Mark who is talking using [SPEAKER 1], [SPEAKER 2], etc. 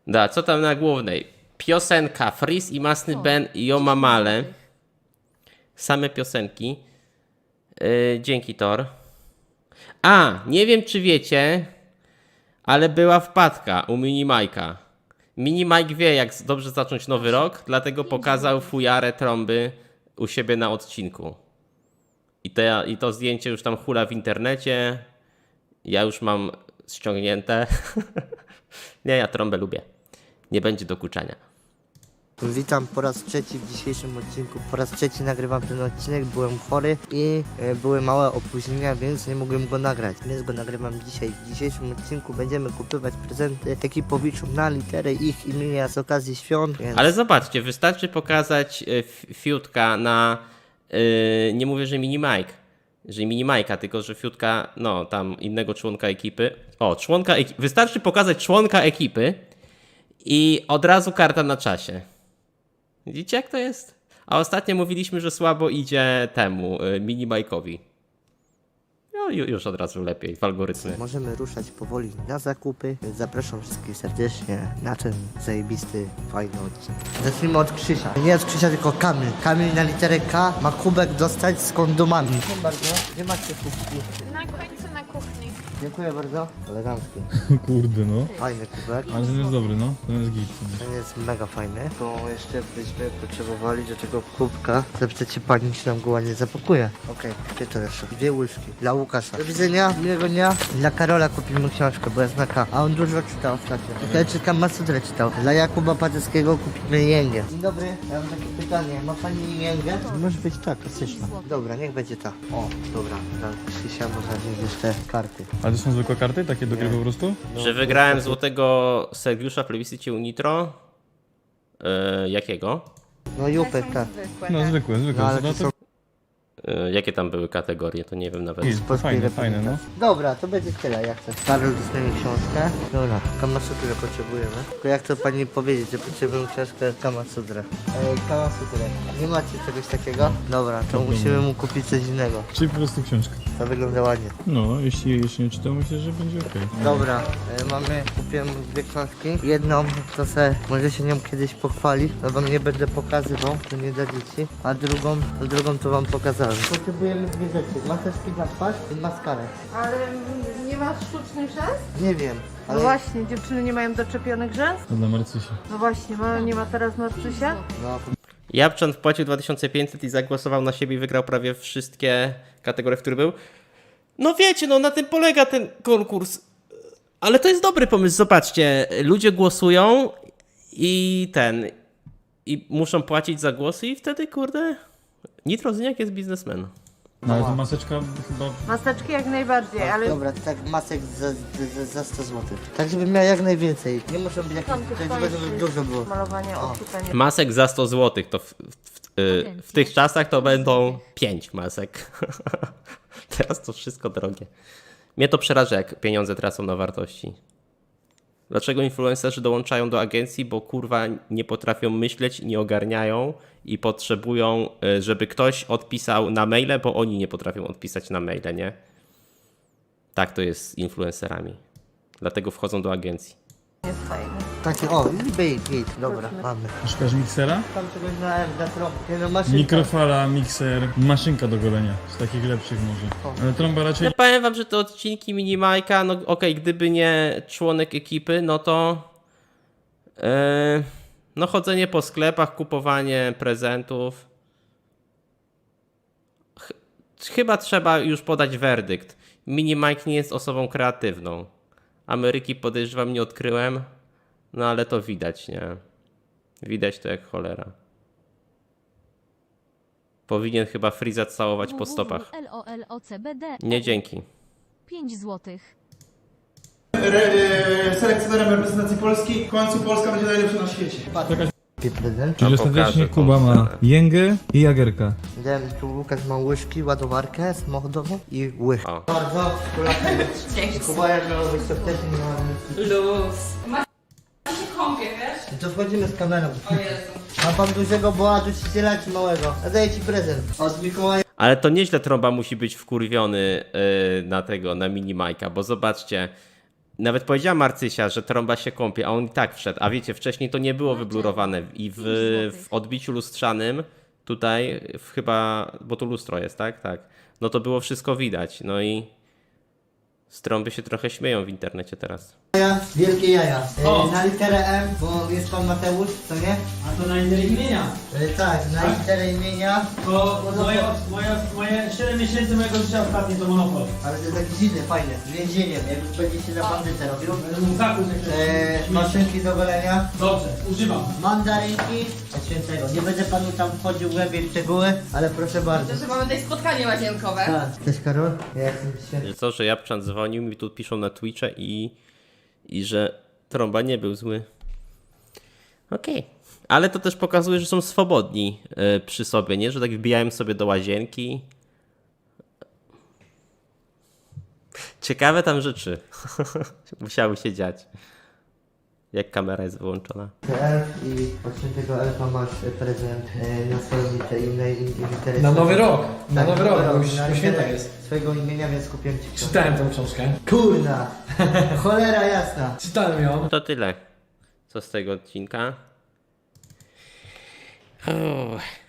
[SPEAKER 1] Da, co tam na głównej? Piosenka Freeze i Masny Ben i Omamale. Same piosenki. Dzięki, Tor. A, nie wiem czy wiecie, ale była wpadka u Mini Majka. Mini Mike wie, jak dobrze zacząć nowy rok, dlatego pokazał fujarę trąby u siebie na odcinku. I to zdjęcie już tam hula w internecie. Ja już mam ściągnięte. Nie, ja trąbę lubię. Nie będzie dokuczania.
[SPEAKER 2] Witam po raz trzeci w dzisiejszym odcinku. Po raz trzeci nagrywam ten odcinek. Byłem chory i były małe opóźnienia, więc nie mogłem go nagrać. Więc go nagrywam dzisiaj. W dzisiejszym odcinku będziemy kupować prezenty ekipowiczom na literę ich imienia z okazji świąt. Więc...
[SPEAKER 1] Ale zobaczcie, wystarczy pokazać fiutka na... nie mówię, że Mini Mike. Że Mini Majka, tylko że fiutka, no tam innego członka ekipy. O, wystarczy pokazać członka ekipy i od razu karta na czasie. Widzicie jak to jest? A ostatnio mówiliśmy, że słabo idzie temu, Mini Majkowi. No już od razu lepiej w algorytmie.
[SPEAKER 2] Możemy ruszać powoli na zakupy, więc zapraszam wszystkich serdecznie na ten zajebisty, fajny odcinek. Zacznijmy od Krzysia. Nie od Krzysia, tylko Kamil. Kamil na literę K ma kubek dostać z kondomami. Dziękuję bardzo. Gdzie macie kubki?
[SPEAKER 3] Na końcu na kuchni.
[SPEAKER 2] Dziękuję bardzo. Elegancki.
[SPEAKER 4] Kurde no.
[SPEAKER 2] Fajny kubek.
[SPEAKER 4] Ale ten jest dobry, no. Ten jest git.
[SPEAKER 2] Ten jest mega fajny. To jeszcze byśmy potrzebowali do tego kubka. Zapytacie pani, czy nam go ładnie zapakuje. Okej, gdzie to jeszcze? 2 łyżki. Dla Łukasza. Do widzenia, miłego dnia. Dla Karola kupimy książkę, bo jest na K. A on dużo czytał ostatnio. Ja czytam Masudrę czytał. Dla Jakuba Patyckiego kupimy jęgę. Dzień dobry, ja mam takie pytanie. Ma pani jęgę? Może być ta, klasyczna. Dobra, niech będzie ta. O, dobra. Dla Krzysia można wziąć jeszcze karty.
[SPEAKER 4] Ale to są zwykłe karty? Takie do gry po prostu?
[SPEAKER 1] Że wygrałem złotego Sergiusza w plebiscycie Unitro. Jakiego?
[SPEAKER 2] No Jupek, tak.
[SPEAKER 3] Zwykłe,
[SPEAKER 4] No
[SPEAKER 3] tak.
[SPEAKER 4] zwykłe, zwykłe.
[SPEAKER 2] No ale
[SPEAKER 4] No,
[SPEAKER 2] to są
[SPEAKER 1] Jakie tam były kategorie, to nie wiem nawet.
[SPEAKER 4] Git,
[SPEAKER 2] polskiej
[SPEAKER 4] fajne, fajne, no.
[SPEAKER 2] Dobra, to będzie tyle, jak chcę. Karol dostanie książkę. Dobra, Kamasutrę potrzebujemy. Tylko jak to pani powiedzieć, że potrzebujemy książkę Kamasutrę? Kamasutrę. Nie macie czegoś takiego? Dobra, to musimy mu kupić coś innego.
[SPEAKER 4] Czyli po prostu książkę.
[SPEAKER 2] To wygląda ładnie.
[SPEAKER 4] No, jeśli nie czytam, myślę, że będzie okej.
[SPEAKER 2] Dobra, kupiłem 2 książki. Jedną to może się nią kiedyś pochwali, to wam nie będę pokazywał, to nie da dzieci. A drugą to wam pokazałem. Potrzebujemy 2 rzeczy. Maseczki na twarz i maskarę.
[SPEAKER 3] Ale nie masz sztucznych rzęs?
[SPEAKER 2] Nie wiem,
[SPEAKER 3] No
[SPEAKER 2] ale...
[SPEAKER 3] właśnie, dziewczyny nie mają doczepionych rzęs?
[SPEAKER 4] To dla Marcysia.
[SPEAKER 3] No właśnie, nie ma teraz Marcysia?
[SPEAKER 2] No,
[SPEAKER 1] Japczan wpłacił 2500 i zagłosował na siebie i wygrał prawie wszystkie kategorie, w których był. No wiecie, no na tym polega ten konkurs. Ale to jest dobry pomysł, zobaczcie. Ludzie głosują i muszą płacić za głosy i wtedy, kurde, Nitrozyniak jest biznesmen.
[SPEAKER 4] No ale ta maseczka chyba...
[SPEAKER 3] Maseczki jak najbardziej, ale
[SPEAKER 2] dobra, tak masek za 100 zł. Tak, żeby miał jak najwięcej. Nie muszą być jakieś,
[SPEAKER 3] tam tych
[SPEAKER 2] żeby dużo było.
[SPEAKER 3] malowanie oczu to nie...
[SPEAKER 1] Masek za 100 zł, to w tych czasach to będą 5 masek. Teraz to wszystko drogie. Mnie to przeraża, jak pieniądze tracą na wartości. Dlaczego influencerzy dołączają do agencji? Bo kurwa nie potrafią myśleć, nie ogarniają i potrzebują, żeby ktoś odpisał na maile, bo oni nie potrafią odpisać na maile, nie? Tak to jest z influencerami. Dlatego wchodzą do agencji.
[SPEAKER 3] jest fajny.
[SPEAKER 2] Takie, o, git, dobra, mamy.
[SPEAKER 4] Szukasz miksera?
[SPEAKER 2] Tam czegoś na trąbkę, no maszynka.
[SPEAKER 4] Mikrofala, mikser, maszynka do golenia. Z takich lepszych może. Ale trąba raczej...
[SPEAKER 1] Ja powiem wam, że te odcinki Mini Majka, no okej, gdyby nie członek ekipy, no to no chodzenie po sklepach, kupowanie prezentów. Chyba trzeba już podać werdykt. Mini Mike nie jest osobą kreatywną. Ameryki podejrzewam nie odkryłem, no ale to widać, nie? Widać to jak cholera. Powinien chyba Freeza całować po stopach.
[SPEAKER 5] LOLOCBD.
[SPEAKER 1] Nie dzięki.
[SPEAKER 5] 5 złotych.
[SPEAKER 6] Selekcjonerem reprezentacji Polski. W końcu Polska będzie najlepsza na świecie.
[SPEAKER 2] Prezent.
[SPEAKER 4] Czyli
[SPEAKER 1] No, pokażę
[SPEAKER 4] ostatecznie
[SPEAKER 1] tą
[SPEAKER 4] Kuba ma
[SPEAKER 1] scenę.
[SPEAKER 4] jęgę i jagerka.
[SPEAKER 2] Dałem tu Łukasz ma łyżki, ładowarkę samochodową i łyż.
[SPEAKER 1] O.
[SPEAKER 2] Bardzo dzięki. Kuba jak miał być to wtedy nie ma
[SPEAKER 7] Kąpie, wiesz?
[SPEAKER 2] To wchodzimy z kamerą.
[SPEAKER 7] O Jezu.
[SPEAKER 2] Ma pan dużego boła dusiciela czy małego? Ja daję ci prezent. Od Mikołaja.
[SPEAKER 1] Ale to nieźle trąba musi być wkurwiony na Mini Majka, bo zobaczcie, Nawet powiedziała Marcysia, że trąba się kąpie, a on i tak wszedł. A wiecie, wcześniej to nie było wyblurowane i w odbiciu lustrzanym tutaj chyba, bo tu lustro jest, tak? Tak. No to było wszystko widać. No i z trąby się trochę śmieją w internecie teraz.
[SPEAKER 2] Jaja, wielkie jaja.
[SPEAKER 8] O.
[SPEAKER 2] Na literę M, bo jest pan Mateusz, co nie?
[SPEAKER 8] A to na literę imienia.
[SPEAKER 2] Tak, na literę imienia.
[SPEAKER 8] To moje 7 miesięcy mojego życia ostatnie to Monopol.
[SPEAKER 2] Ale to jest taki dziwny, fajny. Z więzieniem, jak już będzie się na bandytę robił.
[SPEAKER 8] Zakup
[SPEAKER 2] Maszynki do golenia.
[SPEAKER 8] Dobrze, używam.
[SPEAKER 2] Mandarynki od świętego. Nie będę panu tam wchodził głębiej w szczegóły, ale proszę bardzo.
[SPEAKER 7] To, że mamy tutaj spotkanie łazienkowe.
[SPEAKER 2] Tak. Cześć Karol, ja jestem święty.
[SPEAKER 1] Że co, że Japczan dzwonił mi, tu piszą na Twitche i że trąba nie był zły. Okej. Ale to też pokazuje, że są swobodni przy sobie, nie? Że tak wbijałem sobie do łazienki. Ciekawe tam rzeczy musiały się dziać. Jak kamera jest wyłączona.
[SPEAKER 2] Elf i od świętego Elfa masz prezent na swoją literę.
[SPEAKER 8] Na nowy rok. Na
[SPEAKER 2] Tak,
[SPEAKER 8] nowy rok, bo już
[SPEAKER 2] na
[SPEAKER 8] po świętach
[SPEAKER 2] literę
[SPEAKER 8] jest.
[SPEAKER 2] swojego imienia, więc kupiłem ci książkę.
[SPEAKER 8] Czytałem tą książkę.
[SPEAKER 2] Kurna! Cholera jasna!
[SPEAKER 8] Czytałem ją.
[SPEAKER 1] To tyle. Co z tego odcinka?